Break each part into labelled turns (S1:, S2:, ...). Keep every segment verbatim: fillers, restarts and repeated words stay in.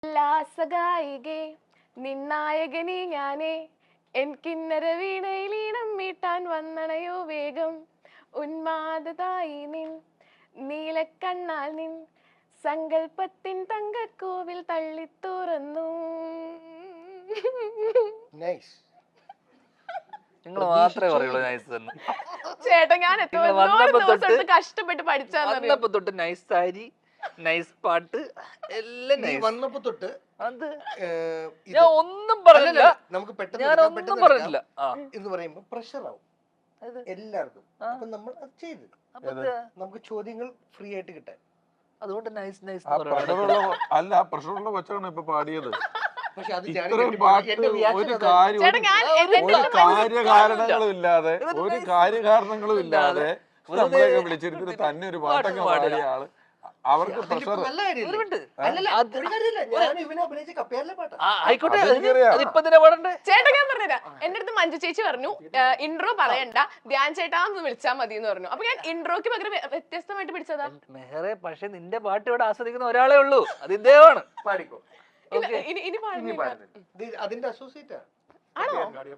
S1: ഉല്ലാസഗായികേ നിന്നായകനീ ഞാനേ എൻ കിന്നര വീണയിലീണം മീട്ടാൻ വന്നണയോ വേഗം ഉന്മാദതായി നിൻ നീലക്കണ്ണാൽ നിൻ സങ്കൽപ്പത്തിൻ തങ്കക്കോവിൽ തള്ളിത്തുറന്നു.
S2: നിങ്ങൾ മാത്രമേ പറയുള്ളൂ നൈസ് എന്ന്.
S1: ചേട്ടാ ഞാൻ എത്ര ദിവസം കഷ്ടപ്പെട്ട്
S2: പഠിച്ചപ്പോ തൊട്ട് നൈസ് സാരി, നൈസ് പാട്ട് എല്ലാം
S3: വന്നപ്പോ തൊട്ട്
S2: അത് ഞാൻ ഒന്നും പറഞ്ഞില്ല.
S3: നമുക്ക്
S2: ഞാൻ ഒന്നും പറഞ്ഞില്ല
S3: എന്ന് പറയുമ്പോ പ്രഷർ ആവും എല്ലാവർക്കും. അപ്പൊ നമ്മൾ അത് ചെയ്ത് നമുക്ക് ചോദ്യങ്ങൾ ഫ്രീ ആയിട്ട് കിട്ടാൻ.
S2: അതുകൊണ്ട് നൈസ് നൈസ്
S4: അല്ല, പ്രഷറുള്ള കൊച്ചാണ് ഇപ്പൊ പാടിയത്.
S3: പക്ഷെ അത്
S4: ഇത്രയും പാട്ട് ഒരു കാര്യം ഒരു കാര്യകാരണങ്ങളും ഇല്ലാതെ ഒരു കാര്യകാരണങ്ങളും ഇല്ലാതെ നമ്മളെയൊക്കെ വിളിച്ചിരുത്തിട്ട് തന്നെ ഒരു പാട്ടൊക്കെ പാടിയ ആള് അവർക്ക് പ്രഷർ.
S1: ചേട്ടാ ഞാൻ പറഞ്ഞുതരാം. എന്റെ അടുത്ത് മഞ്ജു ചേച്ചി പറഞ്ഞു ഇൻട്രോ പറയണ്ട, ധ്യാൻ ചേട്ടാന്ന് വിളിച്ചാൽ മതി എന്ന് പറഞ്ഞു. അപ്പൊ ഞാൻ ഇൻട്രോക്ക് പകരം വ്യത്യസ്തമായിട്ട് പിടിച്ചതാ.
S2: മെഹറെ, പക്ഷെ നിന്റെ പാട്ട് ഇവിടെ ആസ്വദിക്കുന്ന ഒരാളെ ഉള്ളൂ, അത് ഇദ്ദേഹമാണ്.
S3: പാടിക്കോ.
S1: ഇനി
S3: അതിന്റെ അസോസിയേറ്റ്
S1: ആണോ?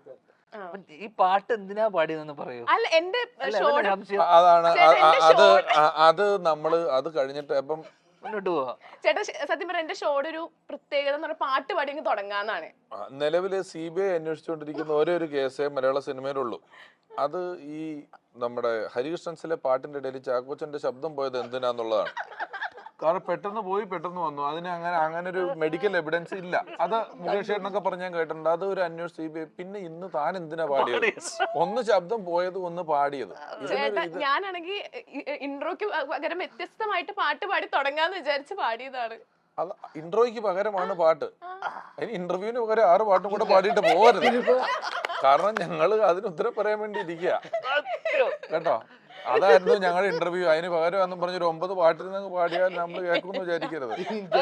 S2: ഈ പാട്ട് എന്തിനാ പാടിയെന്ന് പറയൂ.
S1: അല്ല, എന്റെ
S4: അതാണ് അത് അത് നമ്മള് അത് കഴിഞ്ഞിട്ട് അപ്പം
S2: മുന്നോട്ട് പോവാ.
S1: ചേട്ടാ സത്യം പറഞ്ഞ എന്റെ ഷോയുടെ ഒരു പ്രത്യേകത എന്ന് പറഞ്ഞാൽ പാട്ട് പാടി തുടങ്ങാന്നാണ്.
S4: നിലവില് സി ബി ഐ അന്വേഷിച്ചുകൊണ്ടിരിക്കുന്ന ഒരേ ഒരു കേസേ മലയാള സിനിമയിലുള്ളൂ. അത് ഈ നമ്മുടെ ഹരികൃഷ്ണൻസിലെ പാട്ടിന്റെ ഇടയിൽ ചാക്കോച്ചന്റെ ശബ്ദം പോയത് എന്തിനാന്നുള്ളതാണ്. കാരണം പെട്ടെന്ന് പോയി പെട്ടെന്ന് വന്നു. അതിന് അങ്ങനെ അങ്ങനെ ഒരു മെഡിക്കൽ എവിഡൻസ് ഇല്ല. അത് മുകേഷ് ചേട്ടനൊക്കെ പറഞ്ഞ് ഞാൻ കേട്ടിട്ടുണ്ട്. അത് ഒരു അന്വേഷണം സി ബി ഐ. പിന്നെ ഇന്ന് താൻ എന്തിനാ പാടിയത്? ഒന്ന് ശബ്ദം പോയത്, ഒന്ന് പാടിയത്.
S1: ഞാനാണെങ്കിൽ ഇൻട്രോക്ക് പകരം വ്യത്യസ്തമായിട്ട് പാട്ട് പാടി തുടങ്ങാന്ന് വിചാരിച്ച് പാടിയതാണ്.
S4: അത് ഇൻട്രോയ്ക്ക് പകരമാണ് പാട്ട്. അതിന് ഇന്റർവ്യൂവിന് പകരം ആറ് പാട്ടും കൂടെ പാടിയിട്ട് പോകരുത്. കാരണം ഞങ്ങള് അതിന് ഉത്തരം പറയാൻ വേണ്ടി ഇരിക്കുക കേട്ടോ. അതായിരുന്നു ഞങ്ങളുടെ ഇന്റർവ്യൂ. അതിന് പകരം എന്നും പറഞ്ഞൊരു ഒമ്പത് പാട്ടിൽ നിന്ന് പാടിയാൽ നമ്മൾ കേൾക്കുമെന്ന് വിചാരിക്കരുത്.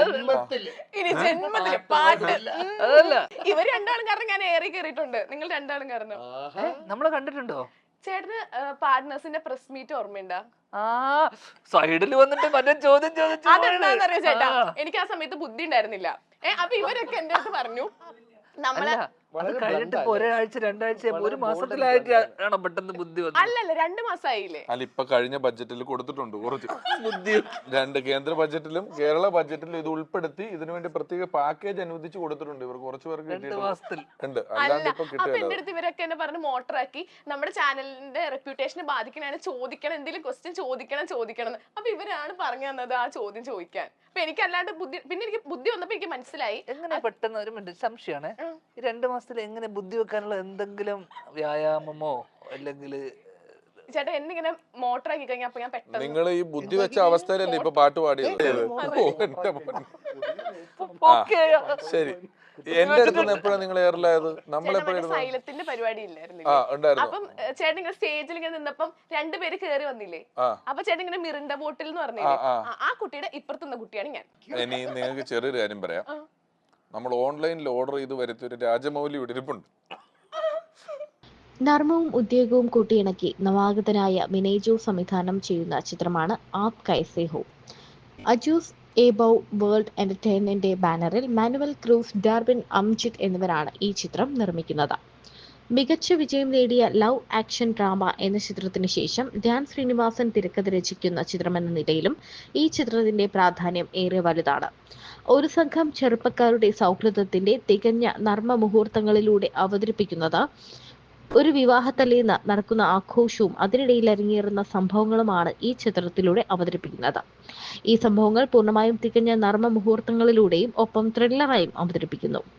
S1: ഇനി ജന്മത്തില് പാട്ട് ഇവര് രണ്ടാളും കാരണം ഞാൻ ഏറി കയറിയിട്ടുണ്ട്. നിങ്ങൾ രണ്ടാളും കാരണം
S2: നമ്മളെ കണ്ടിട്ടുണ്ടോ?
S1: ചേട്ടന് പാർട്ട്നേഴ്സിന്റെ പ്രസ് മീറ്റ് ഓർമ്മയുണ്ടാ?
S2: ആ സൈഡിൽ വന്നിട്ട് മറ്റേ ചോദ്യം ചോദിച്ചു.
S1: അതെന്താന്നറിയോ ചേട്ടാ, എനിക്ക് ആ സമയത്ത് ബുദ്ധി ഉണ്ടായിരുന്നില്ല. ഏഹ് അപ്പൊ ഇവരൊക്കെ എന്റെ അടുത്ത് പറഞ്ഞു നമ്മളെ
S2: കഴിഞ്ഞിട്ട് ഒരാഴ്ച രണ്ടാഴ്ച ഒരു മാസത്തിലായിട്ടാണ് പെട്ടെന്ന് ബുദ്ധി വന്നത്.
S1: അല്ലല്ല, രണ്ടു മാസമായില്ലേ?
S4: അല്ല, ഇപ്പൊ കഴിഞ്ഞ ബഡ്ജറ്റിൽ കൊടുത്തിട്ടുണ്ട് കുറച്ച് ബുദ്ധി. രണ്ട് കേന്ദ്ര ബഡ്ജറ്റിലും കേരള ബഡ്ജറ്റിലും ഇത് ഉൾപ്പെടുത്തി ഇതിനു വേണ്ടി പ്രത്യേക പാക്കേജ് അനുവദിച്ച് കൊടുത്തിട്ടുണ്ട്. ഇവർ കുറച്ച് പേർക്ക് ഉണ്ട്. അല്ലാണ്ട് ഇപ്പൊ
S1: അപ്പൊ എന്റെ അടുത്ത് ഇവരൊക്കെ എന്നെ പറഞ്ഞ് മോട്ടറാക്കി നമ്മുടെ ചാനലിന്റെ റെപ്യൂട്ടേഷനെ ബാധിക്കണാണ്, ചോദിക്കണം, എന്തെങ്കിലും ക്വസ്റ്റ്യൻ ചോദിക്കണം ചോദിക്കണം അപ്പൊ ഇവരാണ് പറഞ്ഞു തന്നത് ആ ചോദ്യം ചോദിക്കാൻ. അപ്പൊ എനിക്ക് അല്ലാണ്ട് ബുദ്ധി, പിന്നെ എനിക്ക് ബുദ്ധി വന്നപ്പോ എനിക്ക് മനസ്സിലായി.
S2: എങ്ങനെ പെട്ടെന്ന് ഒരു മിനിറ്റ് സംശയമാണ്, ഈ രണ്ടു മാസത്തിൽ എങ്ങനെ ബുദ്ധി വെക്കാനുള്ള എന്തെങ്കിലും വ്യായാമമോ അല്ലെങ്കിൽ
S1: ചേട്ടാ എന്നിങ്ങനെ മോട്ടറാക്കി കഴിഞ്ഞാൽ അപ്പൊ ഞാൻ പെട്ടെന്ന്
S4: നിങ്ങൾ ഈ ബുദ്ധി വെച്ച അവസ്ഥയിലല്ലേ ഇപ്പൊ പാട്ട് പാടിയത്? ശരി, എന്റെ അടുത്ത് എപ്പോഴാണ് നിങ്ങൾ എയറിലായത്? നമ്മളെപ്പോഴും
S1: സൈലത്തിന്റെ പരിപാടി ഇല്ലായിരുന്നു. അപ്പം ചേട്ടൻ ഇങ്ങനെ സ്റ്റേജിൽ ഇങ്ങനെ നിന്നപ്പം രണ്ടുപേര് കേറി വന്നില്ലേ? അപ്പൊ ചേട്ടൻ ഇങ്ങനെ മിറിണ്ട ബോട്ടിൽ എന്ന് പറഞ്ഞില്ലേ, ആ കുട്ടിയുടെ ഇപ്പുറത്തുന്ന കുട്ടിയാണ് ഞാൻ.
S4: ഇനി നിങ്ങൾക്ക് ചെറിയൊരു കാര്യം പറയാം. നമ്മൾ ഓൺലൈനിൽ ഓർഡർ ചെയ്ത് വരുത്തിയ ഒരു രാജമൗലി ഇവിടെ ഇരിപ്പുണ്ട്.
S5: നർമ്മവും ഉദ്യോഗവും കൂട്ടിയിണക്കി നവാഗതനായ വിനയ് ജോസ് സംവിധാനം ചെയ്യുന്ന ചിത്രമാണ് ആപ് കൈസേ ഹോ. അജൂസ് എബൌ വേൾഡ് എന്റർടൈൻമെന്റിന്റെ ബാനറിൽ മാനുവൽ ക്രൂസ്, ഡാർവിൻ അംജിത് എന്നിവരാണ് ഈ ചിത്രം നിർമ്മിക്കുന്നത്. മികച്ച വിജയം നേടിയ ലവ് ആക്ഷൻ ഡ്രാമ എന്ന ചിത്രത്തിന് ശേഷം ധ്യാൻ ശ്രീനിവാസൻ തിരക്കഥ രചിക്കുന്ന ചിത്രമെന്ന നിലയിലും ഈ ചിത്രത്തിന്റെ പ്രാധാന്യം ഏറെ വലുതാണ്. ഒരു സംഘം ചെറുപ്പക്കാരുടെ സൗഹൃദത്തിന്റെ തികഞ്ഞ നർമ്മ മുഹൂർത്തങ്ങളിലൂടെ അവതരിപ്പിക്കുന്നത് ഒരു വിവാഹത്തലേന്ന് നടക്കുന്ന ആഘോഷവും അതിനിടയിൽ അരങ്ങേറുന്ന സംഭവങ്ങളുമാണ് ഈ ചിത്രത്തിലൂടെ അവതരിപ്പിക്കുന്നത്. ഈ സംഭവങ്ങൾ പൂർണ്ണമായും തികഞ്ഞ നർമ്മ മുഹൂർത്തങ്ങളിലൂടെയും ഒപ്പം ത്രില്ലറായും അവതരിപ്പിക്കുന്നു.